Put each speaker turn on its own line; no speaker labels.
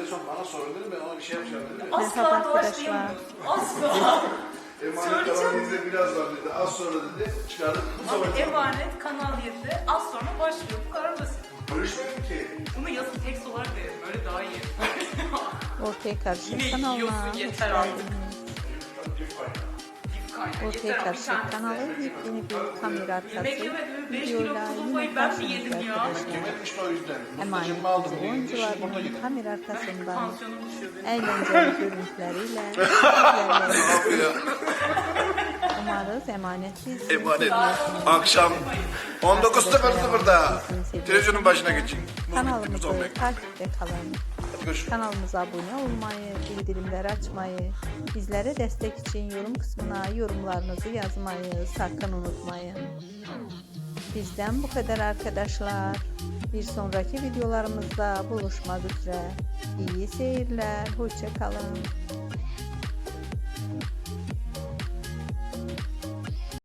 son bana sorun dedim, ben ona bir şey yapacağım dedim.
Merhaba
Asla doğaçlayamıyorsun. Asla.
Emanet Kanal 7'de biraz var dedi, az sonra dedi, çıkardık. Bu
Abi
sefer
Emanet Kanal 7'de az sonra başlıyor. Bu kadar basit.
görüşmedim ki.
Bunu yazın tekst olarak verin. Böyle daha iyi.
Ortaya Karışık
Yine
kanalına
yiyorsun,
hoş
yeter artık.
geldiniz.
Dip kaynağı.
Ortaya
Yeter abi, bir
Karışık
tanesi.
kanalı yepyeni bir kamera arkası
Yemek yemedim. 5 kilo
videoyla
kuzulmayı
yine
ben mi yedim
karşınızda
ya?
arkadaşlar.
Yemedim işte o yüzden.
Emanet
Mutlucamı aldım diye. Şimdi burada
oyuncuların
yedim.
kamera arkasından
Tansiyonum düşüyor benim.
eğlenceli görüntüleriyle sizlerle umarız emanet bizi
Emanet. Akşam 19.00'da televizyonun başına geçin.
kanalımızı takipte kalın.
Görüşürüz.
Kanalımıza abone olmayı, bildirimleri açmayı, bizlere destek için yorum kısmına yorumlarınızı yazmayı sakın unutmayın. Bizden bu kadar arkadaşlar. Bir sonraki videolarımızda buluşmak üzere. İyi seyirler, hoşça kalın.